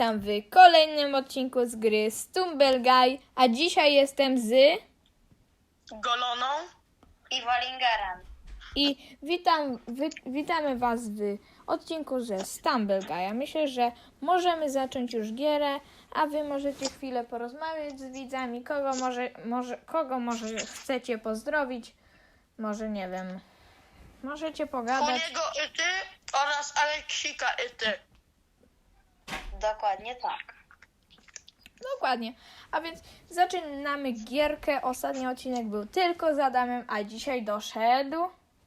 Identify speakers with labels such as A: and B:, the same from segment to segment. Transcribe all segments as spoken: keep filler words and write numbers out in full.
A: Witam w kolejnym odcinku z gry Stumble Guy, a dzisiaj jestem z...
B: Goloną
C: i Wallingerem.
A: I witam, wy, witamy Was w odcinku ze Stumble Guy. Myślę, że możemy zacząć już gierę, a Wy możecie chwilę porozmawiać z widzami, kogo może, może, kogo może chcecie pozdrowić, może nie wiem, możecie pogadać.
B: Kuniego i ty oraz Aleksika i ty.
C: Dokładnie tak.
A: Dokładnie. A więc zaczynamy gierkę. Ostatni odcinek był tylko z Adamem, a dzisiaj doszedł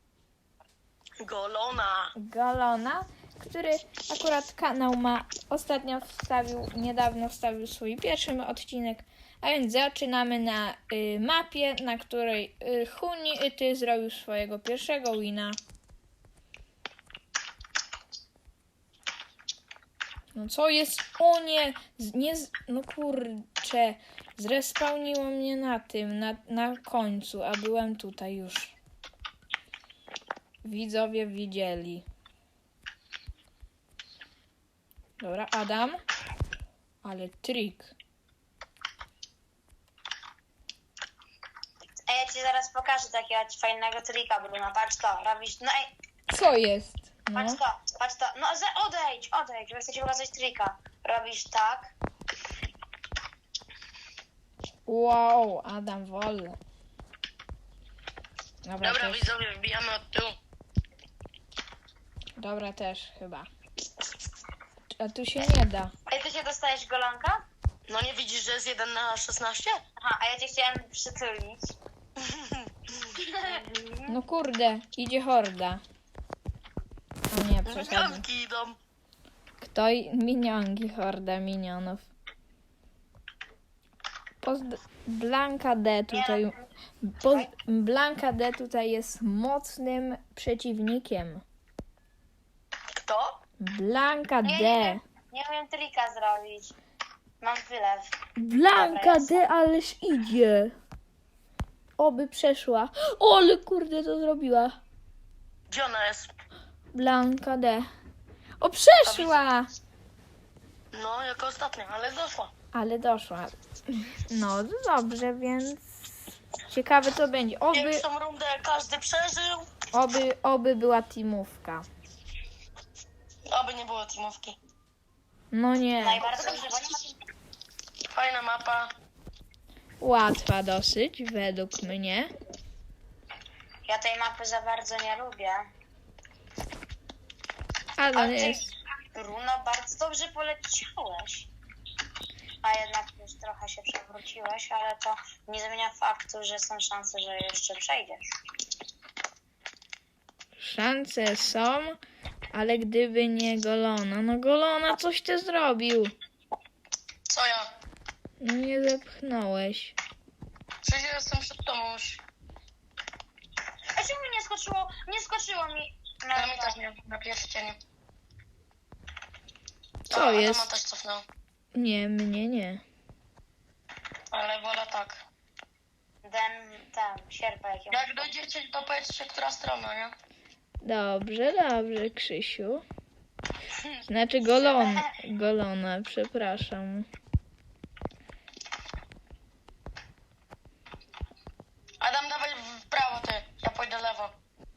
B: Golona.
A: Golona, który akurat kanał ma ostatnio wstawił, niedawno wstawił swój pierwszy odcinek. A więc zaczynamy na y, mapie, na której y, Huni i ty zrobił swojego pierwszego wina. No co jest? O nie! Z, nie z, no kurczę. Zrespawniło mnie na tym, na, na końcu, a byłem tutaj już. Widzowie widzieli. Dobra, Adam. Ale trik.
C: A ja ci zaraz pokażę takiego fajnego trika, Bruno. Patrz to, robisz... No ej,
A: Co jest? No.
C: patrz to, patrz to. No za- odejdź, odejdź, bo chcę ci pokazać trika. Robisz tak.
A: Wow, Adam wolny. Dobra,
B: Dobra,
A: też,
B: widzowie, wbijamy od tyłu.
A: dobra też chyba. A tu się nie da.
C: Ej, ty się dostajesz golonka?
B: No nie widzisz, że jest jeden na szesnaście?
C: Aha, a ja cię chciałem przytulić.
A: No kurde, idzie horda. O nie, przesadził.
B: Minionki idą.
A: Kto i... Minionki, horda minionów. Pozd... Blanka D tutaj... Poz... Blanka D tutaj jest mocnym przeciwnikiem.
B: Kto?
A: Blanka
C: Nie,
A: D.
C: nie, nie umiem trika zrobić. Mam wylew.
A: Blanka
C: Dobra,
A: D, ależ idzie. Oby przeszła. O, ale kurde to zrobiła.
B: Gdzie ona jest?
A: Blanka D. O, przeszła!
B: No, jako ostatnia, ale doszła.
A: Ale doszła. No dobrze, więc ciekawe co będzie. Oby,
B: Pierwszą rundę każdy przeżył.
A: oby, oby była teamówka.
B: Oby nie było teamówki.
A: No nie.
C: Najbardziej dobrze, bo nie ma...
B: Fajna mapa.
A: Łatwa dosyć, według mnie.
C: Ja tej mapy za bardzo nie lubię.
A: Ale
C: Ale ty,
A: jest.
C: Bruno, bardzo dobrze poleciałeś. A jednak już trochę się przewróciłeś, ale to nie zmienia faktu, że są szanse, że jeszcze przejdziesz.
A: Szanse są, ale gdyby nie Golona. No Golona, coś ty zrobił.
B: Co ja?
A: No nie zepchnąłeś.
B: Przecież ja jestem przed tobą już.
C: A czemu mi nie skoczyło? Nie skoczyło mi. No,
B: Ale mi też nie, na pierścieniu.
A: Co
B: A,
A: jest?
B: Adama też cofnął.
A: Nie, mnie nie.
B: Ale wola tak.
C: ten, ten, sierpa jaki ma.
B: Jak dojdziecie, to powiedzcie, która strona, nie?
A: Dobrze, dobrze, Krzysiu. Znaczy Golon, Golona, przepraszam.
B: Adam, dawaj w prawo ty, ja pójdę lewo.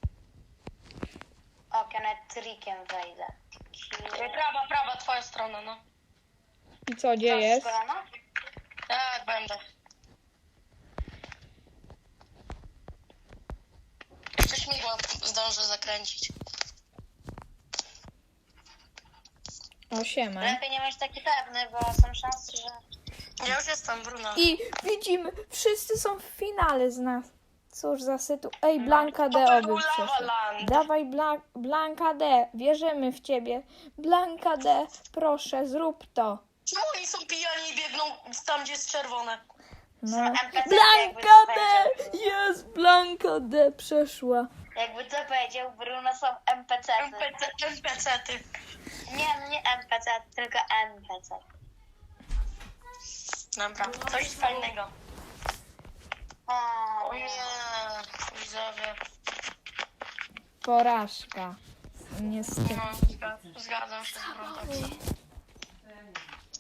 C: O, nawet trikiem wejdę.
B: Ej, Prawa, prawa, twoja strona, no.
A: I co, gdzie jest?
C: Kolana?
B: Tak, będę. Jeszcze śmigło zdążę zakręcić.
A: O, siema.
C: Lepiej nie być taki pewny, bo są szanse, że...
B: Ja już jestem, Bruno.
A: I widzimy, wszyscy są w finale z nas. Cóż za sytu... Ej, Blanka D,
B: To
A: oby
B: był
A: przeszła.
B: Lavaland.
A: Dawaj, Bla... Blanka D, wierzymy w ciebie. Blanka D, proszę, zrób to.
B: Czemu oni są pijani i biegną tam, gdzie jest czerwone?
A: No.
C: N P C
A: Blanka
C: jakby
A: D!
C: powiedział.
A: Jest, Blanka D przeszła.
C: Jakby to powiedział Bruno, są N P C.
B: N P C, N P C ty.
C: Nie, no nie N P C, tylko N P C.
B: Dobra, coś fajnego.
C: O,
B: O nie, widzowie.
A: Porażka. Niestety.
B: No, zgadzam się z Bruno.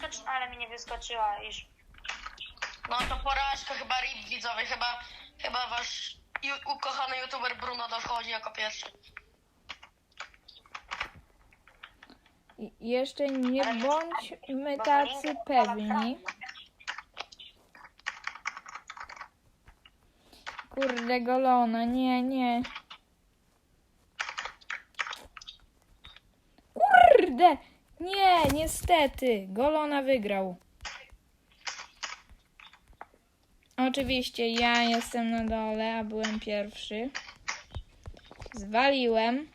C: Dodge, ale mi nie wyskoczyła już.
B: No to porażka, chyba R I P widzowie, chyba, chyba wasz ju- ukochany youtuber Bruno dochodzi jako pierwszy.
A: I jeszcze nie
C: Ale-
A: bądźmy
C: Bo
A: tacy
C: Linker ma
A: pewni.
C: prawo.
A: Kurde, golona, nie, nie. Kurde! Nie, niestety. Golona wygrał. Oczywiście ja jestem na dole, a byłem pierwszy. Zwaliłem.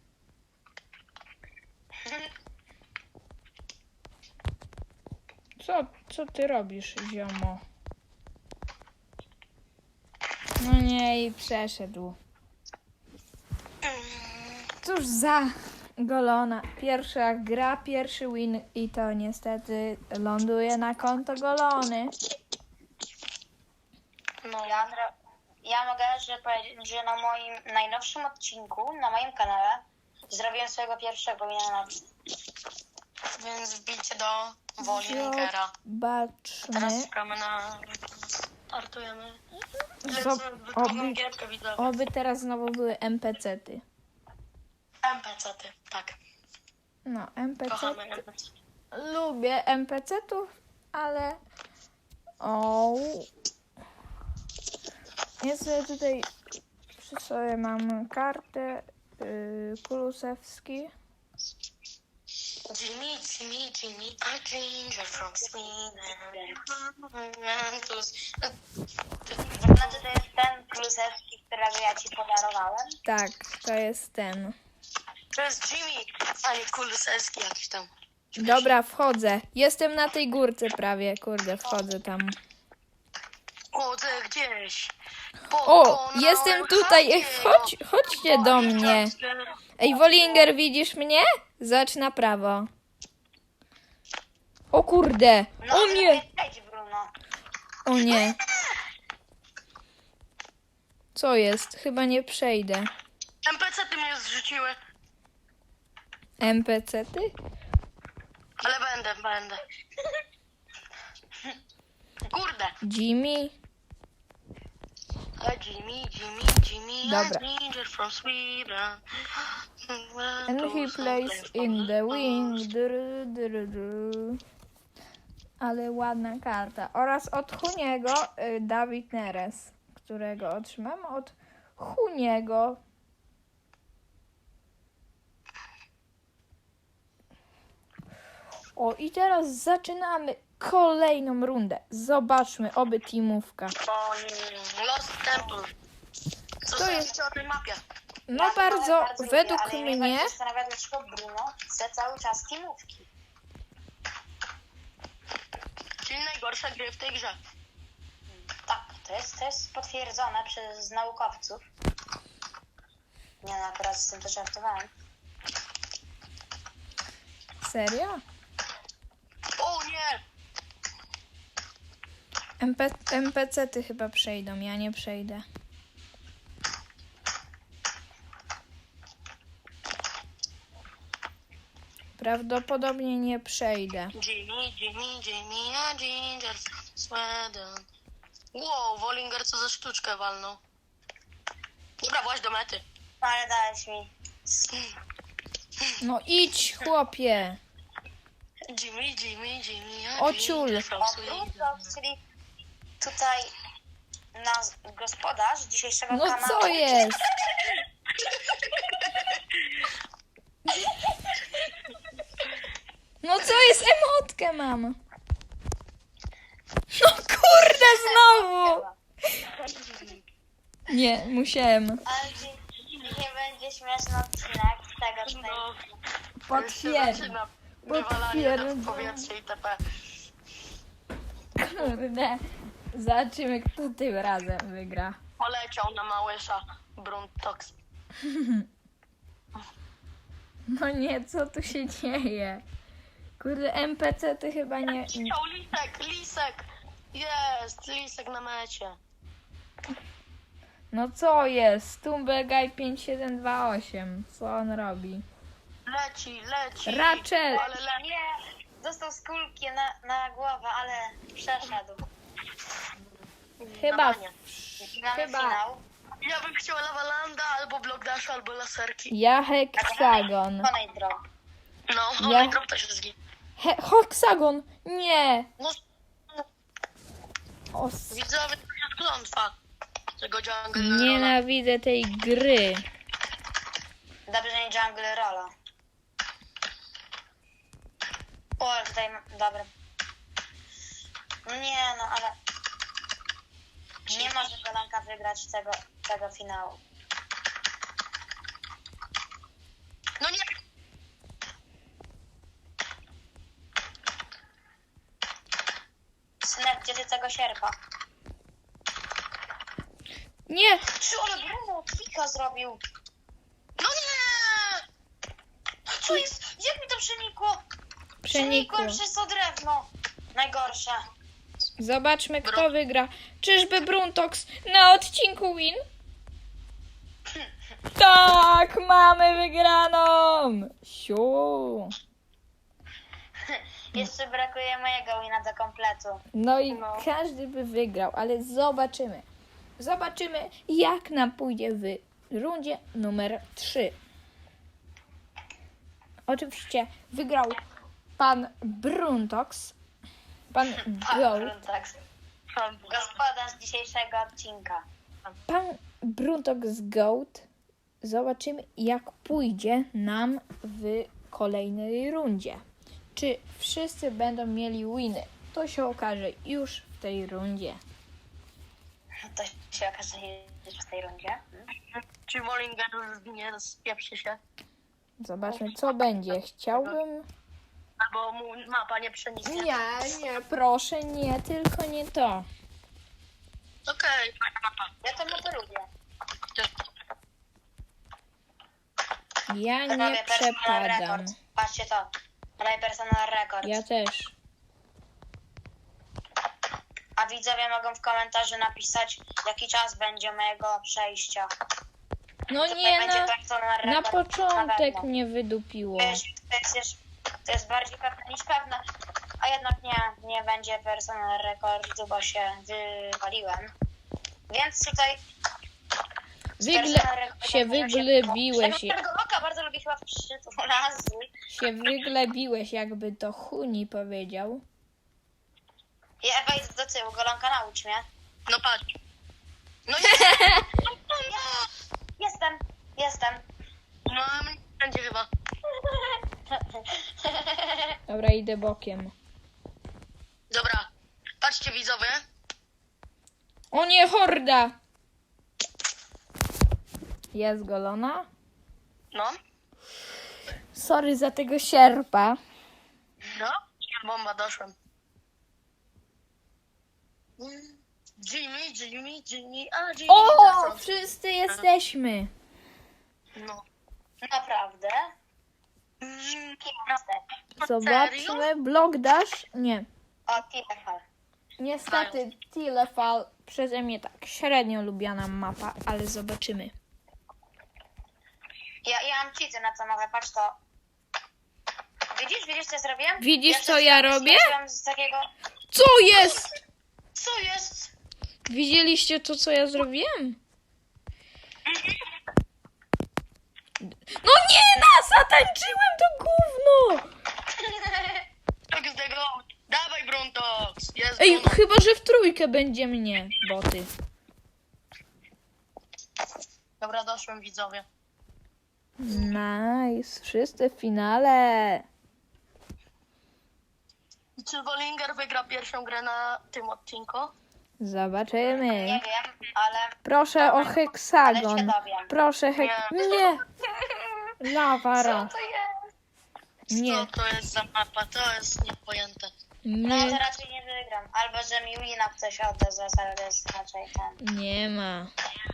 A: Co, co ty robisz, ziomo? No nie, i przeszedł. Cóż za golona. Pierwsza gra, pierwszy win i to niestety ląduje na konto golony.
B: No
C: Ja, Andra, ja mogę że powiedzieć, że na moim najnowszym odcinku, na moim kanale, zrobiłem swojego pierwszego wina na
B: Więc wbijcie do woli Linkera.
A: Zobaczmy.
B: Teraz czekamy na... Startujemy.
A: Zob-
B: Wykonam
A: oby,
B: gierkę widzowie.
A: oby teraz znowu były N P C-ty.
B: N P C-ty, tak.
A: No, N P C.
B: Kochamy N P C.
A: Lubię N P C-tów, ale... O. Ja sobie tutaj przy sobie mam kartę yy, Kulusewski.
B: Jimmy, Jimmy, Jimmy, a ginger from Sweden.
C: Znaczy to jest ten Klusewski, którego ja ci podarowałem.
A: Tak, to jest ten.
B: To jest Jimmy, a nie Kulusewski jakiś tam.
A: Dobra, wchodzę. Jestem na tej górce prawie, kurde, wchodzę tam.
B: Chodzę gdzieś.
A: O, jestem tutaj, ej, chodź, chodźcie do mnie. Ej, Wolinger, widzisz mnie? Zacz na prawo. O kurde,
C: No,
A: o nie,
C: Przejdź, Bruno.
A: o nie. Co jest? Chyba nie przejdę.
B: N P C-ty mnie zrzuciły.
A: N P C-ty?
B: Ale będę, będę. Kurde.
A: Jimmy?
B: A Jimmy, Jimmy, Jimmy,
A: Dobra.
B: a ginger from Sweden.
A: And he plays in the wing. Dru, dru, dru. Ale ładna karta. Oraz od Huniego y, Dawid Neres, którego otrzymam od Huniego. O, i teraz zaczynamy kolejną rundę. Zobaczmy, oby teamówka.
B: O nie, Lost Temple. Co
A: To
B: sądzicie
A: jest-
B: o tej mapie?
A: No
C: Ja
A: bardzo,
C: lubię,
A: według
C: ale
A: mnie...
C: mnie zastanawia, dlaczego Bruno chce cały czas teamówki.
B: Czyli najgorsze gry w tej grze.
C: Tak, to jest, to jest potwierdzone przez naukowców. Nie no, akurat z tym też żartowałem.
A: Serio?
B: O nie!
A: MP, N P C-ty chyba przejdą, ja nie przejdę. Prawdopodobnie nie przejdę.
B: Jimmy, Jimmy, Jimmy, a ginger from Sweden. Wow, Wolinger co za sztuczkę walnął. Dobra, właź do mety.
C: No ale dałeś mi.
A: No idź, chłopie.
B: Jimmy, Jimmy, Jimmy, a
A: O,
B: ginger
A: ciul.
B: from
C: O,
B: Sweden.
C: Bruno, czyli tutaj nasz gospodarz dzisiejszego
A: No
C: kanału.
A: co jest? No co jest? Emotkę mam. No kurde, znowu. Nie, musiałem.
C: Ale dzi- nie będzie śmieszny odcinek z tego tutaj.
B: No,
A: Potwierdzam.
B: zaczyna wywalanie na
A: Potwierdzam.
B: powietrze i itp.
A: Kurde. Zobaczymy, kto tym razem wygra.
B: Poleciał na małysza Bruntox.
A: No nie, co tu się dzieje? Kurde, N P C ty chyba nie... nie-
B: Chciał lisek, lisek! Jest, lisek na mecie.
A: No co jest? Tumbelguy pięć siedem dwa osiem. Co on robi?
B: Leci, leci.
A: Rachel!
B: Ale le...
C: Nie, dostał z kulki na, na głowę, ale przeszedł.
A: Chyba,
B: Dawaj.
C: Mamy
A: Chyba.
C: finał.
B: Ja bym chciała Lawalanda, albo Block Dash, albo laserki.
A: ja heksagon.
C: Konej drog.
B: No,
A: Ja-
B: ja... drop też jest git.
A: He, heksagon! Nie!
B: No,
A: O, s-
B: widzowie, to jest klątwa tego jungle.
A: nienawidzę tej gry.
C: Dobrze, że nie jungle rola. O, ale tutaj, ma- dobra. No nie, no ale... Nie może Golanka wygrać tego, tego finału.
B: No nie,
C: Synek, gdzie ty tego sierpa?
A: Nie!
C: Czy ale Bruno klika zrobił?
B: no nie!
C: Co jest? Jak mi to przenikło?
A: Przenikło.
C: Przenikłem przez to drewno. Najgorsze.
A: Zobaczmy, kto wygra. Czyżby Bruntox na odcinku win? Tak, mamy wygraną! Siu!
C: Jeszcze brakuje mojego wina do kompletu.
A: No i
B: No.
A: każdy by wygrał, ale zobaczymy. Zobaczymy, jak nam pójdzie w rundzie numer trzy. Oczywiście wygrał pan Bruntox, pan Gold.
C: Tak. Gospodarz dzisiejszego odcinka.
A: Pan Bruntox Gold. Zobaczymy, jak pójdzie nam w kolejnej rundzie. Czy wszyscy będą mieli winy? To się okaże już w tej rundzie.
C: To się okaże już w tej rundzie.
B: Czy Mollinger już zginie, spieprzy się?
A: Zobaczmy, co będzie. Chciałbym...
B: Albo mu mapa nie przeniknie.
A: Nie, nie, proszę, nie, tylko nie to.
B: Okej, fajna mapa.
C: Ja to mapę lubię.
A: Ja nie
C: Robię personal
A: przepadam.
C: rekord. Patrzcie to. Robię personal rekord.
A: Ja też.
C: A widzowie mogą w komentarzu napisać, jaki czas będzie mojego przejścia.
A: No
C: Tutaj
A: nie,
C: będzie
A: na,
C: personal
A: na
C: rekord.
A: początek
C: pewno.
A: mnie wydupiło.
C: To jest, to, jest, jeszcze- to jest bardziej pewne niż pewne, a jednak nie, nie będzie personal rekordu, bo się wywaliłem. Więc tutaj
A: Wygle,
C: personal rekordem
A: się
C: może
A: wyglebiłeś,
C: Ja tego oka bardzo lubię chyba przytulazy.
A: się wyglebiłeś, jakby to Huni powiedział.
C: Ja wejdę do tyłu, Golonka, naucz mnie.
B: No patrz. No nie!
C: Jestem, jestem.
B: No, będzie chyba.
A: Dobra, idę bokiem.
B: Dobra, patrzcie widzowie.
A: O nie, horda! Jest golona.
B: No,
A: Sorry za tego sierpa.
B: no, bomba, doszłem. Jimmy, Jimmy, Jimmy, a Jimmy.
A: O,
B: zasąd.
A: wszyscy jesteśmy.
B: No.
C: Naprawdę?
A: Zobaczmy, blok dash. Nie.
C: O, Tilefal.
A: Niestety, Tilefal przeze mnie tak średnio lubiana mapa, ale zobaczymy.
C: Ja, ja mam cheaty na co mogę, patrz to. Widzisz, widzisz co zrobiłem?
A: Widzisz,
C: Ja
A: co ja
C: wszystko
A: robię?
C: skoczyłem z takiego...
A: Co jest?
B: Co jest?
A: Widzieliście to, co ja zrobiłem? No nie, no, zatańczyłem to gówno!
B: Tak z tego. Dawaj, Bruntox. Jest
A: Ej,
B: Bruno.
A: chyba, że w trójkę będzie mnie, boty.
B: Dobra, doszłem widzowie.
A: Nice, wszyscy w finale.
B: Czy Bollinger wygra pierwszą grę na tym odcinku?
A: Zobaczymy.
C: Nie wiem, ale...
A: Proszę o
C: ale się
A: heksagon.
C: dowiem.
A: Proszę hek... Nie! Lawara.
C: Co to jest?
A: Nie,
B: Co to jest za mapa? To jest niepojęte.
C: No to
A: nie,
C: raczej nie wygram. Albo, że mi wina ktoś odda za ale to jest raczej ten.
A: nie ma.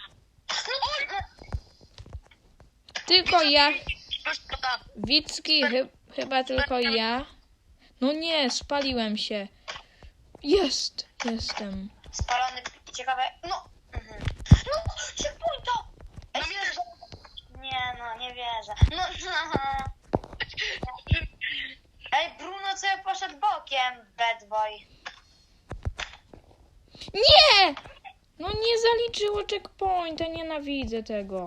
A: Tylko ja,
B: Szkoda.
A: Wicki, chy, chyba tylko ja. No nie, spaliłem się. Jest, jestem.
C: Spalony i ciekawe... No! Mhm. No! Szykuj to!
B: No wiesz,
C: Nie no, nie wierzę. No, no. Ej, Bruno sobie poszedł bokiem, bad boy.
A: Nie! No nie zaliczyło checkpointa, nienawidzę tego.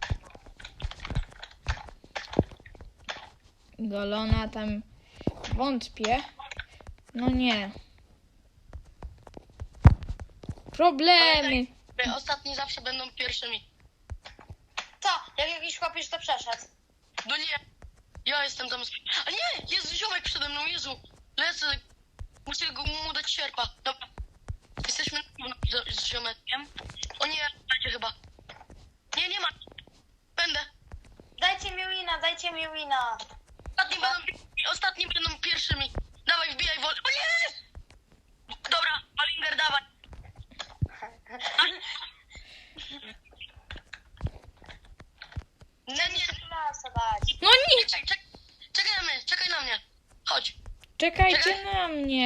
A: Golona tam wątpię. No nie. Problemy.
B: Ostatni zawsze będą pierwszymi.
C: Co? Jak jakiś chłopiec to przeszedł.
B: No nie, ja jestem tam. A nie, jest ziomek przede mną, Jezu. Lecę, muszę go mu dać sierpa. Dobra, jesteśmy z, z ziomeczkiem. O nie, dajcie chyba. Nie, nie ma. Będę.
C: Dajcie mi wina, dajcie mi wina.
B: Ostatni będą, ostatni będą pierwszymi. Dawaj, wbijaj wolę. O nie! Dobra, Olinger, dawaj. Nie, nie,
C: Lasa dać.
A: No nie!
B: czekaj, czekaj, czekaj na mnie, czekaj na mnie. Chodź.
A: Czekajcie na mnie.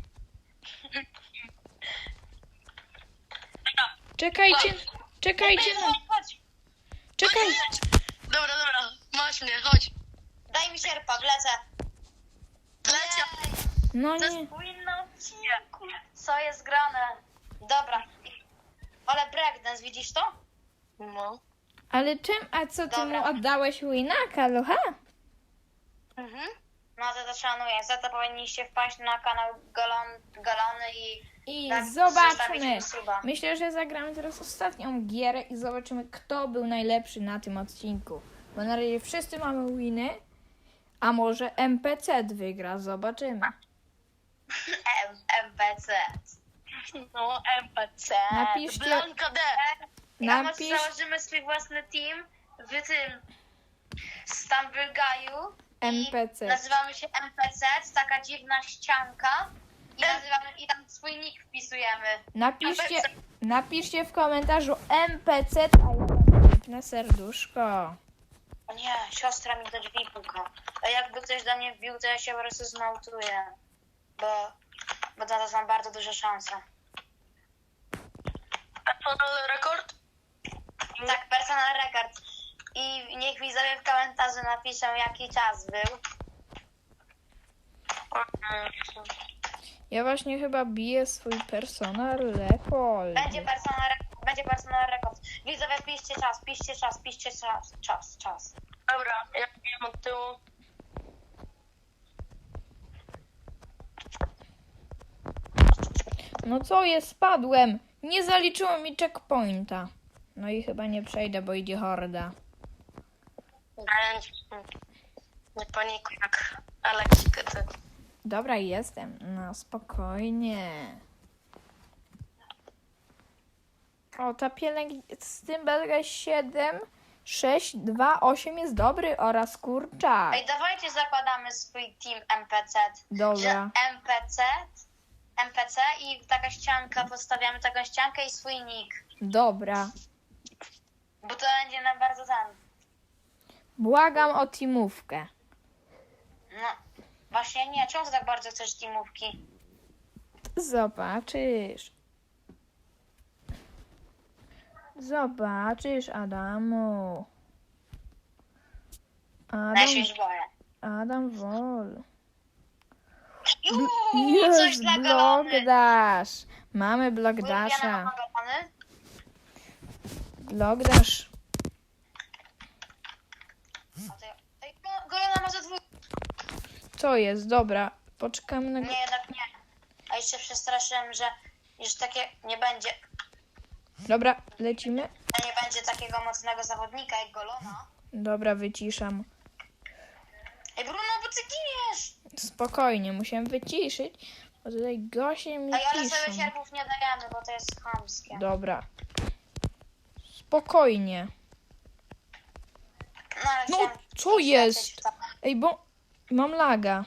A: Czekajcie, czekajcie na...
C: Chodź, chodź.
A: Czekaj.
B: Dobra, dobra, masz mnie, chodź.
C: Daj mi sierpa, wlecę.
B: Lecę.
A: No
C: To
A: nie.
C: jest powinno odcinku. Co jest grane? Dobra. Ale breakdance, widzisz to?
B: No.
A: Ale czym, a co ty
C: Dobra.
A: mu oddałeś winaka, Lucha?
B: Mhm.
C: No to to szanuję. Za to powinniście wpaść na kanał Galon, Galony i...
A: I
C: tak,
A: zobaczmy.
C: zostawić mi suba.
A: Myślę, że zagramy teraz ostatnią gierę i zobaczymy, kto był najlepszy na tym odcinku. Bo na razie wszyscy mamy winy, a może N P C wygra, zobaczymy.
C: M MPC.
B: No, M P C.
A: Napiszcie-
B: Blanka D.
C: Ja może
A: Napisz
C: założymy swój własny team w tym Stumble Guy'u.
A: N P C.
C: I nazywamy się M P C, taka dziwna ścianka. I nazywamy i tam swój nick wpisujemy.
A: Napiszcie, napiszcie w komentarzu N P C, a ja dam piękne serduszko.
C: O nie, siostra mi do drzwi puka. A jakby ktoś do mnie wbił, to ja się po prostu zmałtuję. Bo, bo na to są bardzo duże szanse.
B: Personal rekord?
C: Tak, personal record. I niech widzowie w komentarzu napiszą, jaki czas był.
A: Ja właśnie chyba biję swój personal rekord.
C: Będzie personal, re- będzie personal rekord. Widzowie, piszcie czas, piszcie czas, piszcie czas, czas, czas.
B: Dobra, ja wiem od tyłu.
A: No co jest, spadłem. Nie zaliczyło mi checkpointa. No i chyba nie przejdę, bo idzie horda.
B: Nie panikuj jak Aleksik, ty.
A: Dobra, jestem. No spokojnie. O, ta pielęgniarka z tym belga siedem, sześć, dwa, osiem jest dobry oraz kurczak.
C: Ej, dawajcie zakładamy swój team M P C.
A: Dobra.
C: Że M P C, M P C i taka ścianka, podstawiamy taką ściankę i swój nick.
A: Dobra.
C: Bo to będzie nam bardzo ten.
A: Błagam o teamówkę.
C: No, właśnie nie. Czemu ty tak bardzo chcesz teamówki?
A: Zobaczysz. Zobaczysz, Adamu. Adam,
C: Ja się już boję.
A: Adam Wol.
C: Juuu, coś
A: Jest
C: dla galony.
A: Blogdash. Mamy
C: Ulubione
A: Blogdasha.
C: mama galony?
A: Blogdash.
C: A to ja- Ej, no, galona ma za dwóch.
A: Co jest? Dobra. Poczekamy na...
C: Nie, jednak nie. A jeszcze przestraszyłem, że już takie nie będzie.
A: Dobra, lecimy.
C: Że nie będzie takiego mocnego zawodnika jak Golona.
A: Dobra, wyciszam.
C: Ej, Bruno, bo ty giniesz!
A: Spokojnie, musiałem wyciszyć, bo tutaj goście mi
C: Ej, ale sobie
A: piszą.
C: sierpów nie dajemy, bo to jest chamskie.
A: Dobra. Spokojnie.
C: No, ale
A: No,
C: chciałem
A: co
C: iść
A: jest?
C: lecieć w to.
A: Ej, bo mam laga.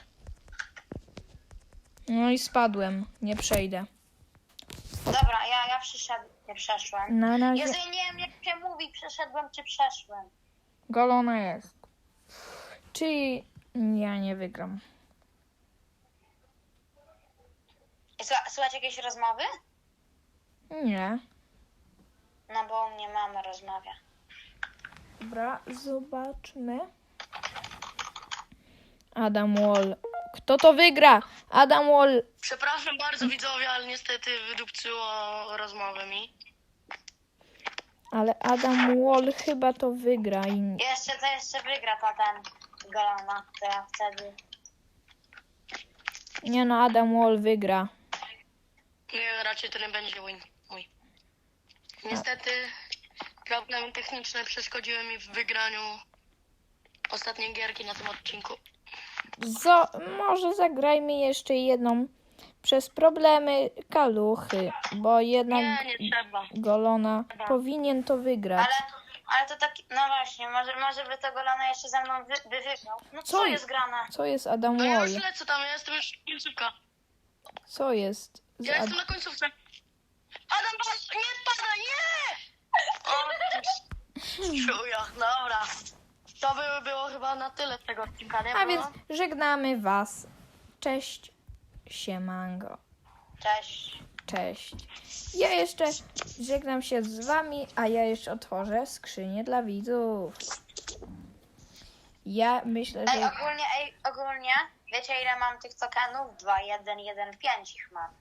A: No i spadłem. Nie przejdę.
C: Dobra, ja, ja przyszedłem, nie przeszłem.
A: Na razie
C: Jezu, nie wiem jak się mówi, przeszedłem czy przeszłem.
A: golona jest. Czyli ja nie wygram.
C: I słucha- Słuchać jakieś rozmowy?
A: Nie.
C: No bo u mnie mama rozmawia.
A: Dobra, zobaczmy. Adam Wall. Kto to wygra? Adam Wall.
B: Przepraszam bardzo widzowie, ale niestety wydupcyło rozmowę mi.
A: Ale Adam Wall chyba to wygra. I...
C: Jeszcze to jeszcze wygra ta ten Golana, to ja wtedy.
A: Nie no, Adam Wall wygra.
B: Nie, raczej to nie będzie win mój. Niestety problemy techniczne przeszkodziły mi w wygraniu ostatniej gierki na tym odcinku.
A: Zo, może zagrajmy jeszcze jedną przez problemy kaluchy, bo jednak
B: Nie, nie trzeba.
A: Golona powinien to wygrać.
C: Ale, ale to tak, no właśnie, może, może by to Golana jeszcze ze mną wy, by wygrał. No co,
A: Co
C: jest grane?
A: Co jest Adam
B: No ja
A: Wall?
B: już lecę tam, ja jestem już końcówka.
A: Co jest? z
B: Ja
A: Ad...
B: jestem na końcówce. Adam, patrz, nie spada, nie! O, ty czuja, dobra. To by było chyba na tyle tego odcinka, nie?
A: A
B: było?
A: więc żegnamy was. Cześć, siemango.
C: Cześć.
A: Cześć. Ja jeszcze żegnam się z wami, a ja jeszcze otworzę skrzynię dla widzów. Ja myślę,
C: Ej,
A: że...
C: ogólnie, ej, ogólnie, wiecie ile mam tych tokenów? dwa, jeden, jeden, pięć ich mam.